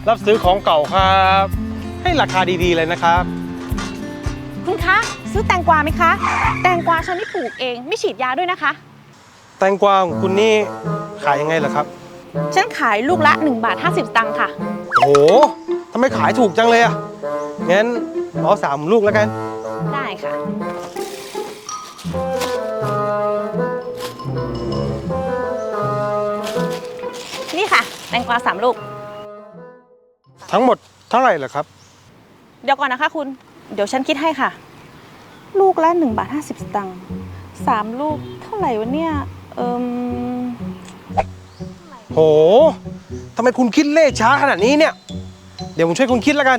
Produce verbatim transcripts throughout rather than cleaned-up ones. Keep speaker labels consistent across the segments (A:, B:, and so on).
A: รับซื้อของเก่าครับให้ราคาดีๆเลยนะครับ
B: คุณคะซื้อแตงกวาไหมคะแตงกวาฉันที่ปลูกเองไม่ฉีดยาด้วยนะคะ
A: แตงกวาของคุณนี่ขายยังไงล่ะครับ
B: ฉันขายลูกละหนึ่งบาทห้าสิบตังค์ค่ะ
A: โอ้โหทำไมขายถูกจังเลยอ่ะงั้นเอาสามลูกแล้วกัน
B: ได้ค่ะนี่ค่ะแตงกวาสามลูก
A: ทั้งหมดเท่าไหร่ล่ะครับ
B: เดี๋ยวก่อนนะคะคุณเดี๋ยวฉันคิดให้ค่ะลูกละหนึ่งบาทห้าสิบตังค์สามลูกเท่าไหร่วะเนี่ยเอิม
A: โหทำไมคุณคิดเลขช้าขนาดนี้เนี่ยเดี๋ยวผมช่วยคุณคิดแล้วกัน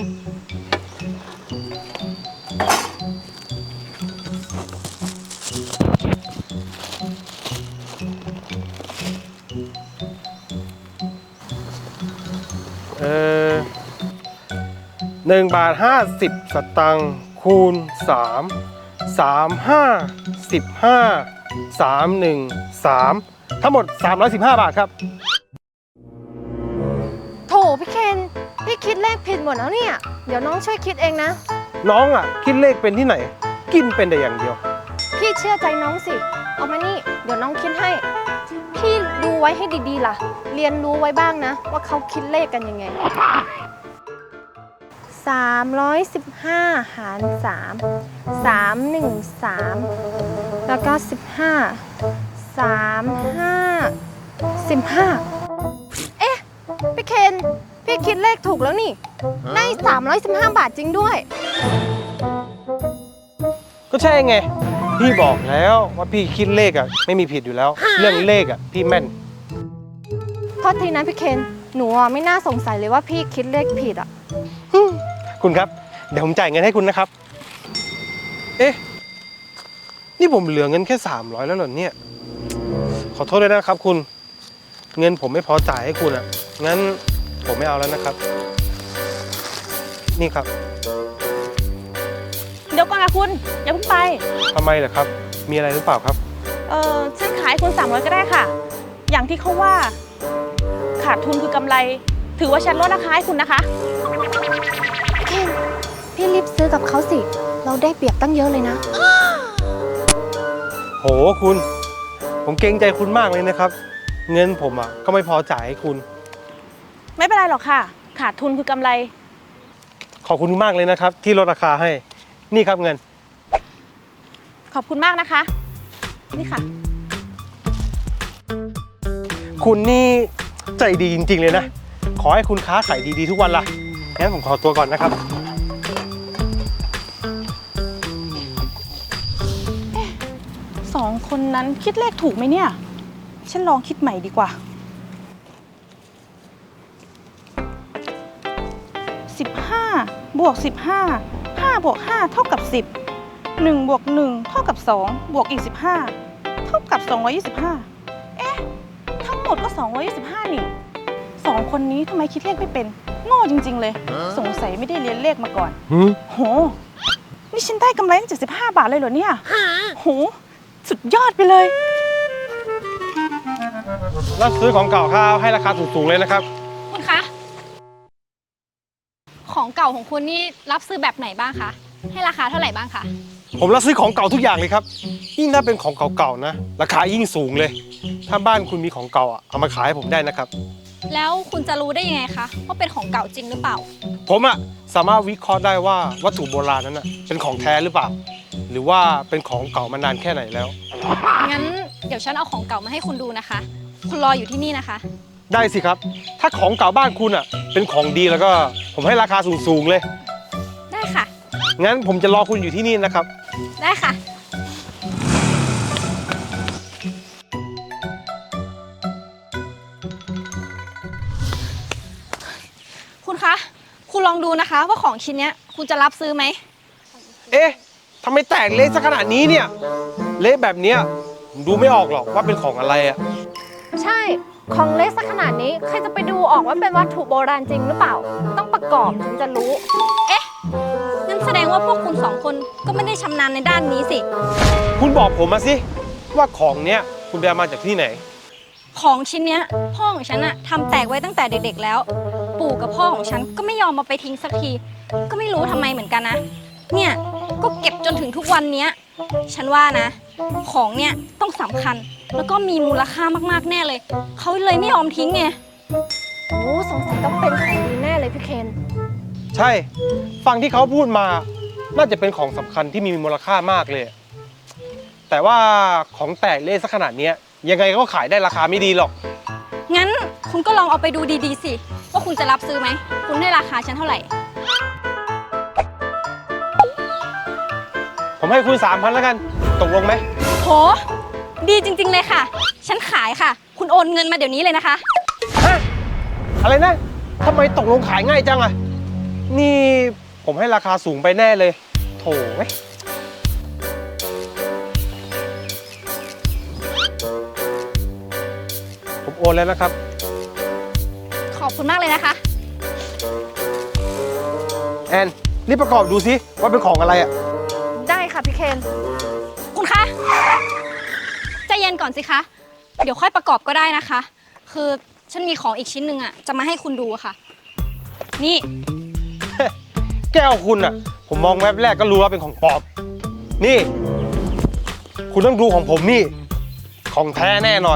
A: เออหนึ่งบาทห้าสิบสตังค์คูณสามสามห้าสิบห้าสามหนึ่งสามทั้งหมดสามร้อยสิบห้าบาทครับ
C: โถพี่เคนพี่คิดเลขผิดหมดแล้วเนี่ยเดี๋ยวน้องช่วยคิดเองนะ
A: น้องอ่ะคิดเลขเป็นที่ไหนกินเป็นแต่อย่างเดียว
C: พี่เชื่อใจน้องสิเอามานี่เดี๋ยวน้องคิดให้พี่ดูไว้ให้ดีๆล่ะเรียนรู้ไว้บ้างนะว่าเขาคิดเลขกันยังไงสามร้อยสิบห้าหารสามสามหนึ่งสามแล้วก็สิบห้าสามห้าสิบห้าเอ๊ะพี่เคนพี่คิดเลขถูกแล้วนี่ได้สามร้อยสิบห้าบาทจริงด้วย
A: ก็ใช่ไงพี่บอกแล้วว่าพี่คิดเลขอ่ะไม่มีผิดอยู่แล้วเรื่องเลขอ่ะพี่แม่น
C: โทษทีนะพี่เคนหนูไม่น่าสงสัยเลยว่าพี่คิดเลขผิดอ่ะ
A: คุณครับเดี๋ยวผมจ่ายเงินให้คุณนะครับเอ๊ะนี่ผมเหลือเงินแค่สามร้อยแล้วเหรอเนี่ยขอโทษด้วยนะครับคุณเงินผมไม่พอจ่ายให้คุณอ่ะงั้นผมไม่เอาแล้วนะครับนี่ครับ
B: เดี๋ยวก่อนนะคุณอย่าเพิ่งไป
A: ทำไมเหรอครับมีอะไรหรือเปล่าครับ
B: เออฉันขายคุณสามร้อยก็ได้ค่ะอย่างที่เขาว่าขาดทุนคือกำไรถือว่าฉันลดราคาให้คุณนะคะ
C: เคนพี่รีบซื้อกับเขาสิเราได้เปรียบตั้งเยอะเลยนะ
A: โหคุณผมเกรงใจคุณมากเลยนะครับเงินผมอ่ะก็ไม่พอจ่ายให้คุณ
B: ไม่เป็นไรหรอกค่ะขาดทุนคือกำไร
A: ขอบคุณมากเลยนะครับที่ลดราคาให้นี่ครับเงิน
B: ขอบคุณมากนะคะนี่ค่ะ
A: คุณนี่ใจดีจริงๆเลยนะขอให้คุณค้าขายดีๆทุกวันล่ะงั้นผมขอตัวก่อนนะครับ
B: สองคนนั้นคิดเลขถูกไหมเนี่ยฉันลองคิดใหม่ดีกว่าสิบห้าบวกสิบห้าห้าบวกห้าเท่ากับสิบหนึ่งบวกหนึ่งเท่ากับสองบวกอีกสิบห้าเท่ากับสองร้อยยี่สิบห้าเอ๊ะทั้งหมดก็สองร้อยยี่สิบห้านี่สองคนนี้ทำไมคิดเลขไม่เป็นโง่จริงๆเลยสงสัยไม่ได้เรียนเลขมาก่อนโหนี่ฉันได้กำไรตั้งเจ็ดสิบห้าบาทเลยเหรอเนี่ยโหสุดยอดไปเลย
A: รับซื้อของเก่าครับให้ราคาสูงๆเลยนะครับ
D: คุณคะของเก่าของคุณนี่รับซื้อแบบไหนบ้างคะให้ราคาเท่าไหร่บ้างคะ
A: ผมรับซื้อของเก่าทุกอย่างเลยครับยิ่งถ้าเป็นของเก่าๆนะราคายิ่งสูงเลยถ้าบ้านคุณมีของเก่าอ่ะเอามาขายให้ผมได้นะครับ
D: แล้วคุณจะรู้ได้ยังไงคะว่าเป็นของเก่าจริงหรือเปล่า
A: ผมอ่ะสามารถวิเคราะห์ได้ว่าวัตถุโบราณนั้นอ่ะเป็นของแท้หรือเปล่าหรือว่าเป็นของเก่ามานานแค่ไหนแล้ว
D: งั้นเดี๋ยวฉันเอาของเก่ามาให้คุณดูนะคะคุณรออยู่ที่นี่นะคะ
A: ได้สิครับถ้าของเก่าบ้านคุณอ่ะเป็นของดีแล้วก็ผมให้ราคาสูงๆเลย
D: ได้ค่ะ
A: งั้นผมจะรอคุณอยู่ที่นี่นะครับ
D: ได้ค่ะคุณคะคุณลองดูนะคะว่าของชิ้นนี้คุณจะรับซื้อไหม
A: เอ๊ะทำไมแตกเละซะขนาดนี้เนี่ยเละแบบเนี้ยดูไม่ออกหรอกว่าเป็นของอะไรอ่ะ
C: ใช่ของเล็กสักขนาดนี้ใครจะไปดูออกว่าเป็นวัตถุโบราณจริงหรือเปล่าต้องประกอบถึงจะรู้
D: เอ๊ะนั่นแสดงว่าพวกคุณสองคนก็ไม่ได้ชำนาญในด้านนี้สิ
A: คุณบอกผมมาสิว่าของเนี้ยคุณไปเอามาจากที่ไหน
D: ของชิ้นเนี้ยพ่อของฉันอะทำแตกไว้ตั้งแต่เด็กๆแล้วปู่กับพ่อของฉันก็ไม่ยอมมาไปทิ้งสักที ก็ไม่รู้ทำไมเหมือนกันนะ เนี่ยก็เก็บจนถึงทุกวันเนี้ย ฉันว่านะ ของเนี่ยต้องสำคัญ แล้วก็มีมูลค่ามากๆแน่เลย เขาเลยไม่ยอมทิ้งไง
C: โอ้สงสัยต้องเป็นของดีแน่เลยพี่เคน
A: ใช่ ฟังที่เขาพูดมา น่าจะเป็นของสำคัญที่มีมูลค่ามากเลย แต่ว่าของแตกเละสักขนาดเนี้ยยังไงก็ขายได้ราคาไม่ดีหรอก
D: งั้นคุณก็ลองเอาไปดูดีๆสิ ว่าคุณจะรับซื้อไหม คุณให้ราคาฉันเท่าไหร่
A: ผมให้คุณสามพันแล้วกัน ตกลงไหม
D: โห ดีจริงๆเลยค่ะ ฉันขายค่ะ คุณโอนเงินมาเดี๋ยวนี้เลยนะคะ
A: ฮะ อะไรนะทำไมตกลงขายง่ายจังอะนี่ผมให้ราคาสูงไปแน่เลย โถเว้ยผมโอนแล้วนะครับ
D: ขอบคุณมากเลยนะคะ
A: แอนรีบประกอบดูสิว่าเป็นของอะไรอะ
C: ได้ค่ะพี่เคน
D: คุณคะใจเย็นก่อนสิคะ เดี๋ยวค่อยประกอบก็ได้นะคะ คือฉันมีของอีกชิ้นหนึ่งอะจะมาให้คุณดูอะค่ะ นี่
A: แก้วคุณอะผมมองแวบแรกก็รู้ว่าเป็นของปลอม นี่ คุณต้องดูของผมนี่ ของแท้แน่นอน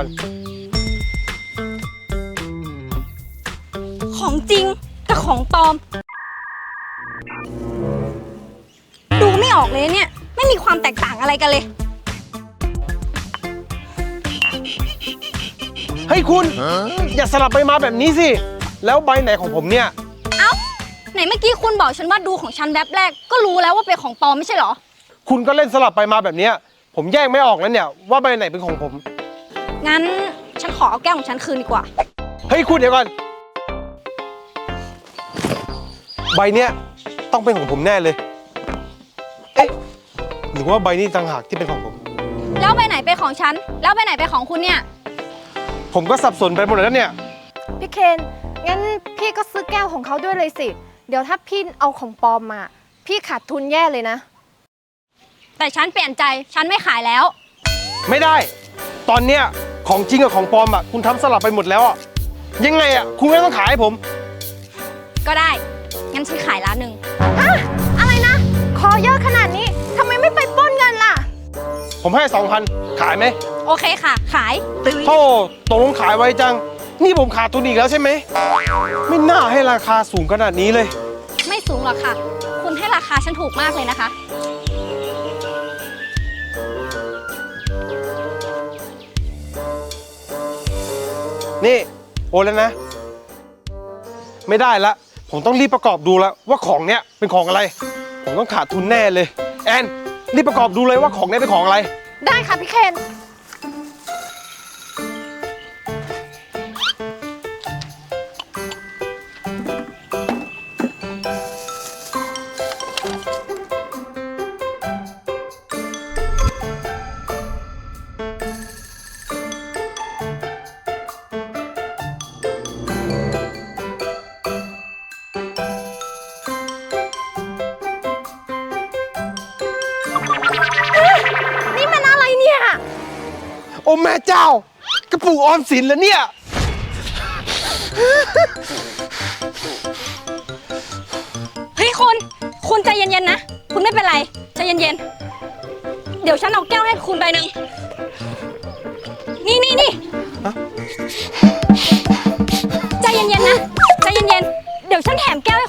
D: ของจริงกับของปลอม ดูไม่ออกเลยเนี่ย ไม่มีความแตกต่างอะไรกันเลย
A: เฮ้ยคุณ อย่าสลับไปมาแบบนี้สิ แล้วใบไหนของผมเนี่ย
D: เอ้า ไหนเมื่อกี้คุณบอกฉันว่าดูของฉันแบบแรกก็รู้แล้วว่าเป็นของปลอมไม่ใช่เหรอ
A: คุณก็เล่นสลับไปมาแบบเนี้ยผมแยกไม่ออกแล้วเนี่ยว่าใบไหนเป็นของผม
D: งั้นฉันขอเอาแก้วของฉันคืนดีกว่า
A: เฮ้ยคุณเดี๋ยวก่อน ใบเนี้ยต้องเป็นของผมแน่เลย เอ๊ะ หรือว่าใบนี้ต่างหากที่เป็นของผม
D: แล้วใบไหนเป็นของฉัน แล้วใบไหนเป็นของคุณเนี่ย
A: ผมก็สับสนไปหมดแล้วเนี่ย
C: พี่เคนงั้นพี่ก็ซื้อแก้วของเขาด้วยเลยสิ เดี๋ยวถ้าพี่เอาของปลอมมา พี่ขาดทุนแย่เลยนะ
D: แต่ฉันเปลี่ยนใจ ฉันไม่ขายแล้ว
A: ไม่ได้ ตอนเนี้ยของจริงกับของปลอมอ่ะคุณทำสลับไปหมดแล้วอ่ะ ยังไงอ่ะคุณไม่ต้องขายให้ผม
D: ก็ได้ งั้นฉันขายร้านหนึ่ง
C: อะไรนะ ขอเยอะขนาดนี้ทำไมไม่ไปปล้นเงินล่ะ
A: ผมให้สองพันขายไหม
D: โอเคค่ะ ขาย
A: โธ่ตกลงขายไวจัง นี่ผมขาดทุนอีกแล้วใช่ไหม ไม่น่าให้ราคาสูงขนาดนี้เลย
D: ไม่สูงหรอกค่ะ คุณให้ราคาฉันถูกมากเลยนะคะ
A: นี่โอนแล้วนะ ไม่ได้ละ ผมต้องรีบประกอบดูแล้วว่าของเนี้ยเป็นของอะไร ผมต้องขาดทุนแน่เลย แอนรีบประกอบดูเลยว่าของเนี้ยเป็นของอะไร
C: ได้ค่ะพี่เคน นี่มันอะไรเนี่ย
A: โอ้แม่เจ้า กระปุกออมสินแล้วเนี่ย
D: เฮ้ยคุณ คุณใจเย็นๆนะ คุณไม่เป็นไร ใจเย็นๆ เดี๋ยวฉันเอาแก้วให้คุณใบหนึ่ง นี่นี่นี่
A: ฮะ
D: ใจเย็นๆนะ ใจเย็นๆ เดี๋ยวฉันแถมแก้ว